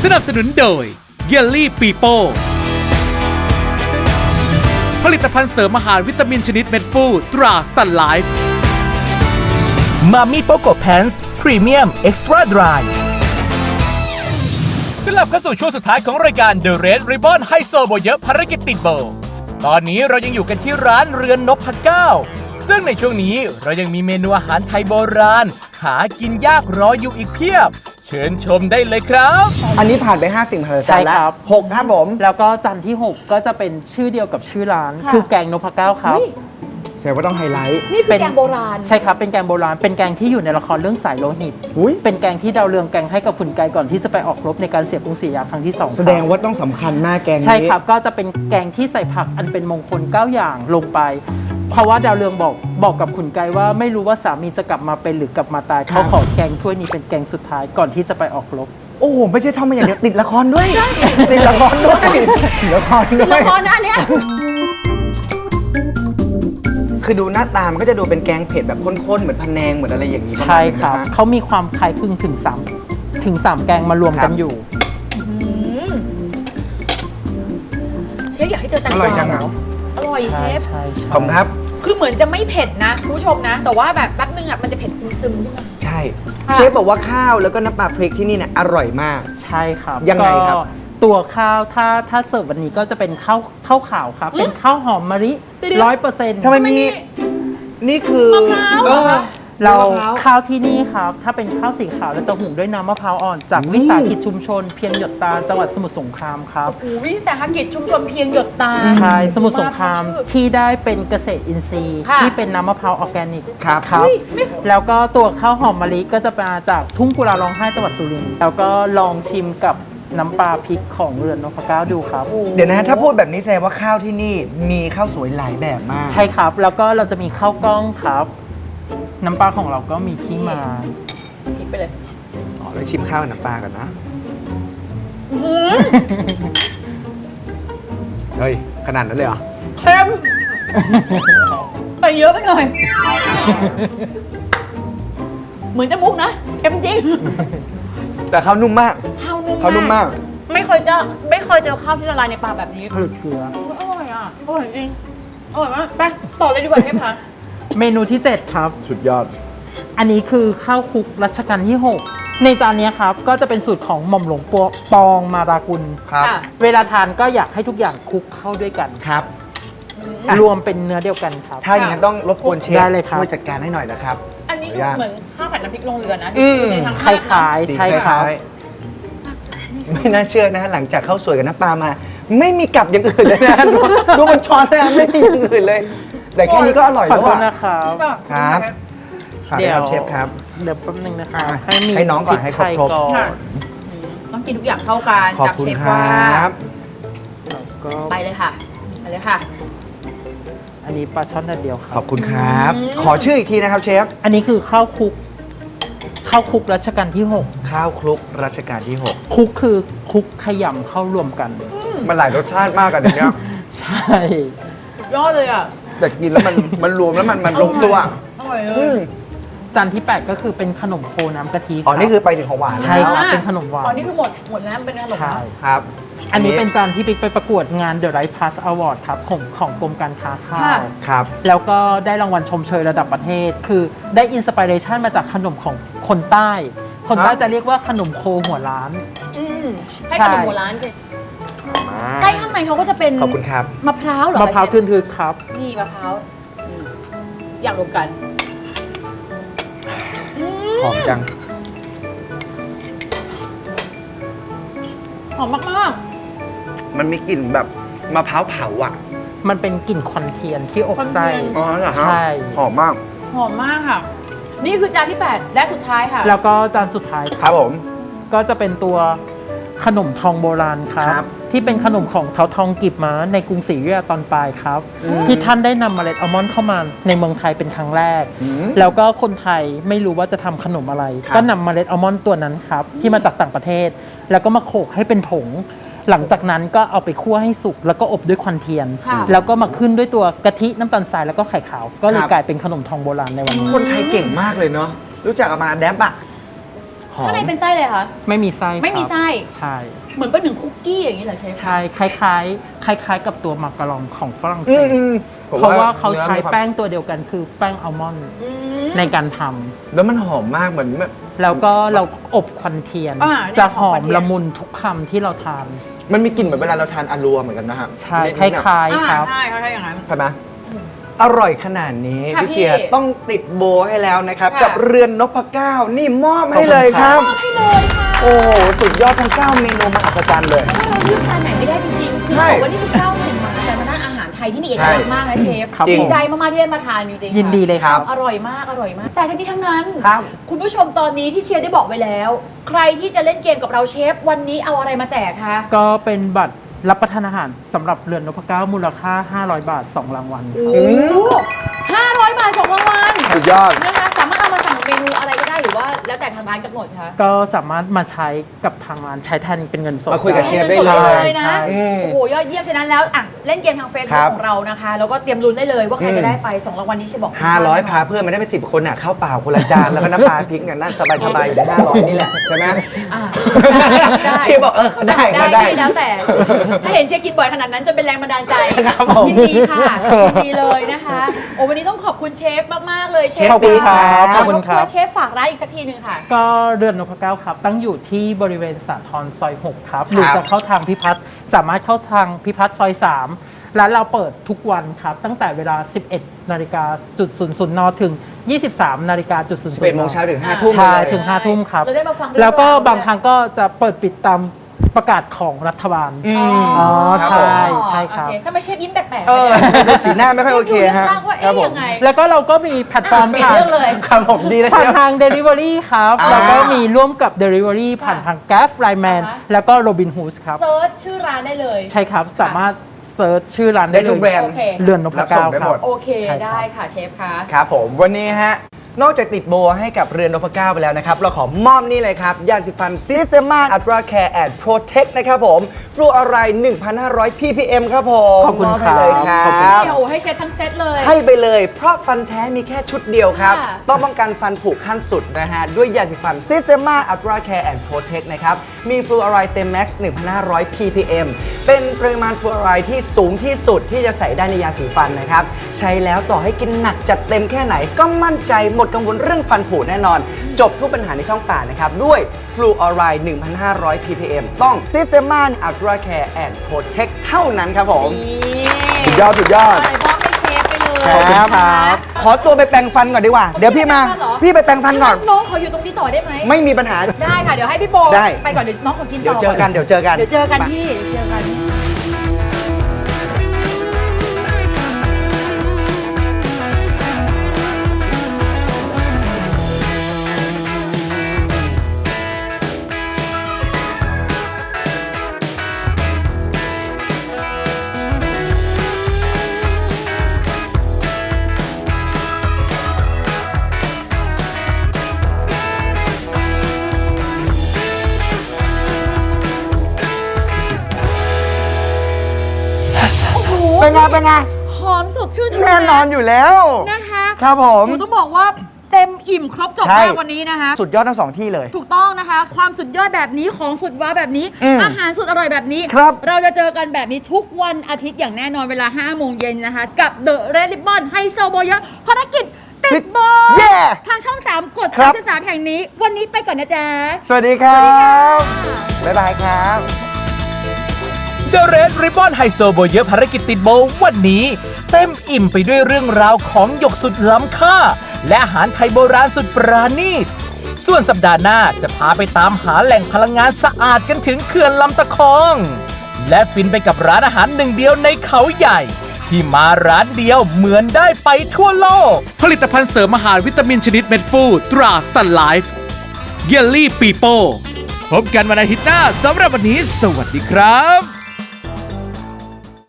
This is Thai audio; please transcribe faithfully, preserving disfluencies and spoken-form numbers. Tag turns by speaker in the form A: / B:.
A: สนับสนุนโดยเยลลี่ปีโป้ผลิตภัณฑ์เสริมอาหารวิตามินชนิดเม็ดฟูตราซันไลฟ์มามิโปโกแพนส์พรีเมียมเอ็กซ์ตร้าดรายกลับเข้าสู่ช่วงสุดท้ายของรายการ The Red Ribbon ไฮโซโบเยอะภารกิจติดโบตอนนี้เรายังอยู่กันที่ร้านเรือนนพเก้าซึ่งในช่วงนี้เรายังมีเมนูอาหารไทยโบราณหากินยากรออยู่อีกเพียบเชิญชมได้เลยครับ
B: อันนี้ผ่านไปห้าสิ่งมหัศจรรย์แล้ว
C: ใช่ครับ
B: หกครับผม
C: แล้วก็จานที่ หก ก็จะเป็นชื่อเดียวกับชื่อร้าน คือแกงนพเก้าครับ
B: แสดงว่าต้องไฮไลท์
D: นี่เป็นแกงโบราณ
C: ใช่ครับเป็นแกงโบราณเป็นแกงที่อยู่ในละครเรื่องสายโลหิต
B: อุ๊ย
C: เป็นแกงที่ดาวเรืองแกงให้กับขุนไกรก่อนที่จะไปออกรบในการเสียกรุงศรีอยุธยาครั้งที่สองครับ
B: แสดงว่าต้องสำคัญมากแกงนี้
C: ใช่ครับก็จะเป็นแกงที่ใส่ผักอันเป็นมงคลเก้าอย่างลงไป เพราะว่าดาวเรืองบอกบอกกับขุนไกรว่าไม่รู้ว่าสามีจะกลับมาเป็นหรือกลับมาตายเขาขอแกงถ้วยนี้เป็นแกงสุดท้ายก่อนที่จะไปออกรบ
B: โอ้โหไม่ใช่ท่องมาอย่างเดียวติดละครด้วยติดละครด้วยติดละครด้วย
D: ละครนะอันเนี้ย
B: คือดูหน้าตามันก็จะดูเป็นแกงเผ็ดแบบข้นๆเหมือนพะแนงเหมือนอะไรอย่างนี้
C: ใช่ครับ
B: ปะมาณนี้นะฮะ
C: เขามีความคล้ายคลึงถึงสามถึงสามแกงมารวม
B: ครั
C: กัน
B: บ
C: อยู่
D: อืมเชฟอยากให้เจอแตง
B: อก ร่อยว
D: า
B: จัง
D: เหร
B: อะ
D: ออร่อยเช
C: ใช่
D: ฟ
C: ใช่ใช่
B: ขอบคุณครับ
D: คือเหมือนจะไม่เผ็ดนะคุณผู้ชมนะ แต่ว่าแบบแป๊บนึงอ่ะมันจะเผ็ดซึมๆขึ้นมา
B: ใช่
D: ค่ะ
B: เชฟบอกว่าข้าวแล้วก็น้ำปลาพริกที่นี่เนี่ยอร่อยมาก
C: ใช่ครับ
B: ยังไงครับ
C: ก็ตัวข้าวถ้าถ้าเสิร์ฟวันนี้ก็จะเป็นข้าวข้าวขาวครับ เป็นข้าวหอมมะลิ
D: เดี๋ยว
C: ร้อยเปอร์เซ็นต์
B: ทำไมมีนี่คือ
D: มะพร้าวเหรอคะ
C: เรา
B: มะพร้าว
C: ข้าวที่นี่ครับ ถ้าเป็นข้าวสีขาวเราจะหุงด้วยน้ำมะพร้าวอ่อน จาก
B: อืม
C: วิสาหกิจชุมชน เพียงหยดตาจังหวัดสมุทรสงครามครับ
D: โอ้โหวิสาหกิจชุมชนเพียงหยดตา
C: ใช่สมุทรสงคราม
D: ชื่อ
C: ที่ได้เป็นเกษตรอินทรีย์
D: ค่ะ
C: ที่เป็นน้ำมะพร้าวออร์แกนิก
B: ครับ
C: ครับ
D: เฮ้ยไม่
C: แล้วก็ตัวข้าวหอมมะลิก็จะมาจากทุ่งกุลาร้องไห้จังหวัดสุรินทร์แล้วก็ลองชิมกับน้ำปลาพริกของเรือนนพเก้าดูครับ
B: เดี๋ยวนะฮะถ้าพูดแบบนี้แสดงว่าข้าวที่นี่มีข้าวสวยหลายแบบมาก
C: ใช่ครับ แล้วก็เราจะมีข้าวกล้องครับ น้ำปลาของเราก็มีที่มา
D: พริกไปเลย
B: อ๋อแล้วชิมข้าวกับน้ำปลาก่อนนะ
D: อื้อหือ
B: เฮ้ยขนาดนั้นเลยเหรอ
D: เค็มแต่เยอะไปหน่อย เหมือนจะมุกนะเค็มจริง
B: แต่ข้าวนุ่มมาก
D: ข้าวนุ่ม
B: ข้าวนุ่มมาก
D: ไม่เคยเจอไม่เคยเจอข้าวที่ละลายในปากแบบนี้
C: ผลึกเกลือ
D: อร่อยอ่ะอร่อยจริงอร่อยมากไปต่อเลยดีกว่าเชฟคะ
C: เมนูที่ เจ็ด ครับ
B: สุดยอด
C: อันนี้คือข้าวคลุกรัชกาลที่ หก ในจานเนี้ยครับ ก็จะเป็นสูตรของหม่อมหลวงปวปองมารากุล
B: ครับ
D: ค่ะ
C: เวลาทานก็อยากให้ทุกอย่างคลุกเข้าด้วยกัน
B: ครับ
C: รวมเป็นเนื้อเดียวกันครับ
B: ถ้าอย่างนั้นต้องรบกวนเชฟ
C: ได้เลยครับ
B: ช่วยจัดการให้หน่อยนะครับ
D: อันนี้
B: ขออนุญาต
D: เหมือนข้าวผัดน้ำพริกลงเรือนะ
C: อืม
D: อยู่ในทาง
C: ค
D: ภาพนะ
C: ล้ายๆใช่ครับ
B: สีล้ายๆไม่น่าเชื่อนะฮะหลังจากข้าวสวยกับน้ำปลามา ไม่มีกลับอย่างอื่นเลยนะดูดูมันช้อนนะไม่มีอย่างอื่นเลย แต่แค่นี้ก็อร่อย
C: ขอ
B: แล้ว
C: โทษ
B: อ่ะ
C: นะครับ
B: ครับ ฝากด้วยครับเชฟครับ
C: เดี๋ยวแป๊บนึงนะครับ
B: อ่ะ
C: ให้มี
B: ให้น้องก่อนให้ครบ
C: พริกไทย
B: ครบ
C: ก่อน
D: ค่ะ ต้องกินทุกอย่างเข้ากัน
B: ขอบ
D: จับ
B: คุณ
D: เชฟ
B: คร
D: ว่า
B: ับ
C: แล้วก็
D: ไปเลยค่ะ ไปเลยค่ะ
C: อันนี้ปลาช่อนแดดเดียวค
B: ข
C: รั
B: อ
C: บบ
B: คุณครับ
D: อืม
B: ขอชื่ออีกทีนะครับเชฟ
C: อันนี้คือข้าวคลุกข้าวคลุกรัชกาลที่ หก
B: ข้าวคลุกรัชกาลที่หก
C: คลุกคือคลุกขยำเข้ารวมกัน
B: มันหลายรสชาติมากอะเดี๋ยวนี้
C: ใช่
D: ยอดเลยอ่ะ
B: แต่กินแล้วมันมันรวมแล้วมันมันลงตัว
D: อร่อยเล
B: อื
D: ย
B: ม
C: จานที่ แปด ก็คือเป็นขนมโคน้ำกะทิ
B: อ๋อ
C: รับ
B: นี่คือไปถึงของหวานแล้ว
C: ใช่ครับเป็นขนมหวาน
D: อ๋อนี่คือหมดหมดแล้วเป็นขนม
C: ใช่
B: ครับ
C: อันนี้เป็นจานที่ปิ๊กไปประกวดงาน The Right Plus Award ครับของของกรมการค้าข้าว
B: ครับ
C: แล้วก็ได้รางวัลชมเชยระดับประเทศ คือได้อินสปิเรชันมาจากขนมของคนใต้ คนใต้
B: ครับ
C: จะเรียกว่าขนมโคหัวล้าน
D: อืมให้
C: ใช่
D: ขนมโบราณกันไส้ข้างในเขาก็จะเป็น
B: ขอบคุณครับ
D: มะพร้าวเหรอ
C: มะพร้าว
D: เชฟ
C: ทึนๆครับ
D: นี่มะพร้าวนี่อย่างรวมกันอืม
B: หอมจัง
D: หอมมาก
B: มันมีกลิ่นแบบมะพร้าวเผาอ่ะ
C: มันเป็นกลิ่นควันเทียนที่อบไส้
B: อ๋อเหรอฮะ
C: ใช่
B: หอมมาก
D: ๆ หอมมากค่ะ นี่คือจานที่ แปด และสุดท้ายค่ะ
C: แล้วก็จานสุดท้าย
B: ครับผม
C: ก็จะเป็นตัวขนมทองโบราณครับ
B: ครับ
C: ที่เป็นขนมของเท้าทองกีบม้าในกรุงศรีอยุธยาตอนปลายครับ
B: อืม
C: ที่ท่านได้นำเมล็ดอัลมอนด์เข้ามาในเมืองไทยเป็นครั้งแรก
B: อืม
C: แล้วก็คนไทยไม่รู้ว่าจะทำขนมอะไร
B: ครับ
C: ก็นำเมล็ดอัลมอนด์ตัวนั้นครับที่มาจากต่างประเทศ แล้วก็มาโขลกให้เป็นผง หลังจากนั้นก็เอาไปคั่วให้สุกแล้วก็อบด้วยควันเทียน
D: ค่ะ
C: แล้วก็มาขึ้นด้วยตัวกะทิน้ำตาลทรายแล้วก็ไข่ขาว ก็เลย
B: ครับ
C: กลายเป็นขนมทองโบราณในวันนี้
B: คนไทยเก่งมากเลยเนาะ รู้จักเอามาแดบอะหอม
D: ข้างในเป็นไส้เลยคะ
C: ไม่มีไส้
D: ไม่มี
C: ครับ
D: ไส้
C: ใช่
D: เหมือนเป็นหนึ่งคุกกี้อย่างนี้เหรอเชฟ
C: ใช่คล้ายๆ คล้าย ๆ กับตัวมักกะลองของฝรั่งเศ
B: อื
C: ส
B: มอืมผม
C: เพราะว่าเขาใช้
B: นื้อมีควม
C: แป้งตัวเดียวกันคือแป้งอัลมอนด์
D: อืม
C: ในการทำ
B: แล้วมันหอมมากเหมือนแบบ
C: แล้วก็เราอบควันเทียน
D: อ่า
C: จะหอ
D: ควั
C: ม
D: นเทียน
C: ละมุนทุกคำที่เราทาน
B: มันมีกลิ่นเหมือนเวลาเราทานอารัวเหมือนกันนะฮะ
C: ใช่
B: นิด
C: ค
B: ๆอะ
C: ล้ายๆค
D: อ่า
C: รับ
D: ใช่ใช่อย่างนั้น
B: ใช่ไหมอร่อยขนาดนี้
D: ค่ะ
B: พี่เชียร์
D: พี่
B: ต้องติดโบให้แล้วนะครับ
D: ค่ะ
B: กับเรือนนพเก้านี่มอบให้เลยครับ
D: มอบให้เลยค่ะ
B: โอ้โหสุดยอดทั้งเก้าเมนูมหัศจรรย์เลย
D: เราเลือกทานไหนไม่ได้จริงๆคือ
B: ใช่
D: บอกว่านี่คือเก้าสิ่งมหัศจรรย์ทางด้านอาหารไทยที่มีเอกลักษณ์มากนะเชฟ
C: ครับ
D: ดี
C: ผม
D: ใจมากๆที่ได้มาทานจริงๆ
C: ยินดีเลยครับ
D: อร่อยมากอร่อยมาก แต่ทั้งนี้ทั้งนั้น
B: ครับ
D: คุณผู้ชมตอนนี้ที่เชียร์ได้บอกไว้แล้ว ใครที่จะเล่นเกมกับเราเชฟวันนี้เอาอะไรมาแจกคะ
C: ก็เป็นบัตรรับประทานอาหารสำหรับเรือนนพเก้ามูลค่า ห้าร้อย บาท สอง รางวัล
D: โอ้โหห้าร้อยบาทสองรางวัล
B: สุดยอด
D: นะคะสามารถเอามาสั่งเมนูอะไรก็ได้หรือว่าแล้วแต่ทางร้านกำหนดคะ
C: ก็สามารถมาใช้กับทางร้านใช้แทนเป็นเงินสด
B: มาคุยกับเชฟ
C: ได้
B: ได้เลย
D: เลยนะ
C: ใช่
B: อืม
D: โอ้โหยอดเยี่ยมฉะนั้นแล้วอ่ะเล่นเกมทางเฟซ
B: ครั
D: บุ๊ก
B: บ
D: ของเรานะคะ แล้วก็เตรียมลุ้นได้เลยว่าใคร
B: อืม
D: จะได้ไปสองรางวัลนี้เชฟบอก
B: ห้าร้อยพาเพื่อนมาได้เป็นสิบคนอ่ะข้าวเปล่าคนละจานแล้วก็น้ำปลาพริกเนี่ยนั่งสบายๆอยู่ในห้าร้อยนี่แหละใช่ไหม
D: อ่า ได้
B: เชฟบอกเออเขาได้
D: ได้
B: เขาได้
D: ได้แล้วแต่ ถ้าเห็นเชฟกินบ่อยขนาดนั้นจะเป็นแรงบันดาลใจ
B: ครับผม
D: ยินดีค่ะยินดีเลยนะคะโอ้วันนี้ต้องขอบคุณเชฟมากๆเลยเชฟ
B: ขอบคุณครับ
C: ขอบคุณครับ
D: วเชฟฝากร้านอีกสักทีหนึ่งค่ะ
C: ก็เรือนนพเก้าครับ ตั้งอยู่ที่บริเวณสาทรซอยหกครับ หรือจะเข้าทางพิพัฒน์สามารถเข้าทางพิพัฒน์ซอยสามร้านเราเปิดทุกวันครับ ตั้งแต่เวลา สิบเอ็ดนาฬิกาจุดศูนย์ศูนย์นถึง ยี่สิบสามนาฬิกาจุดศูนย์ศูนย์
B: สิบเอ็ดโมงเช้าถึงห้าทุ่ม
C: ใช่
B: เลย
C: ถึงห้าทุ่มครับ
D: เราได้มาฟังเรื่อง
C: แล้วก็
D: ราวด้วย
C: บางครั้งก็จะเปิดปิดตามประกาศของรัฐบาล
B: อืม
C: อ๋อ
B: ครับ
C: ใช่
B: ผม
C: ใช่ครับ
D: โอเถ้าไม่เชฟยิ้มแปลกๆ
B: เออดูสีหน้าไม่ค่อยโอเคฮะ
D: ชฟดูเรื่องราวว่า
B: ครับ
D: เอ๊ะ
B: ผม
D: ยังไง
C: แล้วก็เราก็มีแพลตฟอร์ม
D: เปลี่ยน
C: ผ่าน
D: เรื่องเลย
B: ครับผมดีนะเช
C: ผ่าน
B: ฟ
C: ทาง Delivery ครับ
B: อ่า
C: แล้วก็มีร่วมกับ Delivery ผ่านทาง Grab Lineman
D: อ่าฮะ
C: แล้วก็ Robinhood ครับ
D: เซิร์ชชื่อร้านได้เลย
C: ใช่ครับ สามารถเซิร์ชชื่อร้าน
B: ได้
C: ได้
B: ทุก
C: เล
B: แบร
C: ย
B: นด์
D: โอเค
C: เรือนนพ
B: รับส่
C: เก้าง
B: ได้
C: ครั
B: หม
C: บ
B: ด
D: โอเค
C: ใช่ครับ
D: ได้ค่ะเชฟคะ
B: ครับผมวันนี้ฮะนอกจากติดโบให้กับเรือนนพเก้าไปแล้วนะครับ เราขอมอบนี่เลยครับยาสีฟันซิสเตมาอัตราแคร์แอนด์โปรเทคนะครับผมฟลูออไรด์ หนึ่งพันห้าร้อย พี พี เอ็ม ครับผม
C: ขอบคุณ
B: มให้เลยค
C: ครั
B: รับ
C: ขอบคุณ
D: เดี๋ยวให้เชฟทั้งเซตเลย
B: ให้ไปเลย เพราะฟันแท้มีแค่ชุดเดียวครับ
D: ค่ะ
B: ต้องป้องกันฟันผุขั้นสุดนะฮะ ด้วยยาสีฟันซิสเตมาอัตราแคร์แอนด์โปรเทคนะครับ มีฟลูออไรด์เต็มแม็กซ์ หนึ่งพันห้าร้อย พี พี เอ็ม เป็นปริมาณฟลูออไรด์ที่สูงที่สุดที่จะใส่ได้ในยาสีฟันนะครับ ใช้แล้วต่อให้กินหนักจัดเต็มแค่ไหน ก็มั่นใจหมดกังวลเรื่องฟันผุแน่นอน จบทุกปัญหาในช่องปากนะครับ ด้วยฟลูออไรด์ หนึ่งพันห้าร้อย พี พี เอ็ม ต้องซิสเตมาอัตราแคร์แอนด์โปรเทคเท่านั้นครับผม สุดยอดสุดยอด
D: ะไรมอบให้เชฟไปเลย
B: ครับ
D: นะะ
B: ขอตัวไปแปรงฟันก่อนดีกว่า เดี๋ยวพี่มา พี่ไปแปรงฟันก่อน
D: น้องขออยู่ตรงนี้ต่อได้ไหม
B: ไม่มีปัญหา
D: ได้ค่ะ เดี๋ยวให้พี่โบ
B: ได้
D: ไปก่อนเดี๋ยวน้องขอกินต่อ
B: เดี๋ยวเจอกัน เดี๋ยวเจอกัน
D: เดี๋ยวเจอกันพี่เดี๋ยวเจอกัน
B: เป็นไง เป็นไง
D: หอมสดชื่น
B: แน่นอนอยู่แล้ว
D: นะคะ
B: ครับผม
D: หนูต้องบอกว่าเต็มอิ่มครบจบ
B: ใช่
D: มากวันนี้นะคะ
B: สุดยอดทั้งสองที่เลย
D: ถูกต้องนะคะ ความสุดยอดแบบนี้ของสุดว้าวแบบนี้
B: อืม
D: อาหารสุดอร่อยแบบนี้
B: ครับ
D: เราจะเจอกันแบบนี้ทุกวันอาทิตย์อย่างแน่นอนเวลาห้าโมงเย็นนะคะ กับ The Red Ribbon ไฮโซโบเยอะภารกิจติดโบ
B: เย้
D: ทางช่อง สาม กด
B: ครับ
D: สามสิบสามแห่งนี้ วันนี้ไปก่อนนะจ๊ะ
B: สวัสดีครับ บ๊ายบายครับ
A: The Red Ribbon ไฮโซโบเยอะภารกิจติดโบวันนี้ เต็มอิ่มไปด้วยเรื่องราวของหยกสุดล้ำค่า และอาหารไทยโบราณสุดปราณีต ส่วนสัปดาห์หน้าจะพาไปตามหาแหล่งพลังงานสะอาดกันถึงเขื่อนลำตะคอง และฟินไปกับร้านอาหารหนึ่งเดียวในเขาใหญ่ ที่มาร้านเดียวเหมือนได้ไปทั่วโลก ผลิตภัณฑ์เสริมอาหารวิตามินชนิดเม็ดฟูตราซันไลฟ์เยลลี่ปีโป้พบกันวันอาทิตย์หน้าสำหรับวันนี้สวัสดีครับ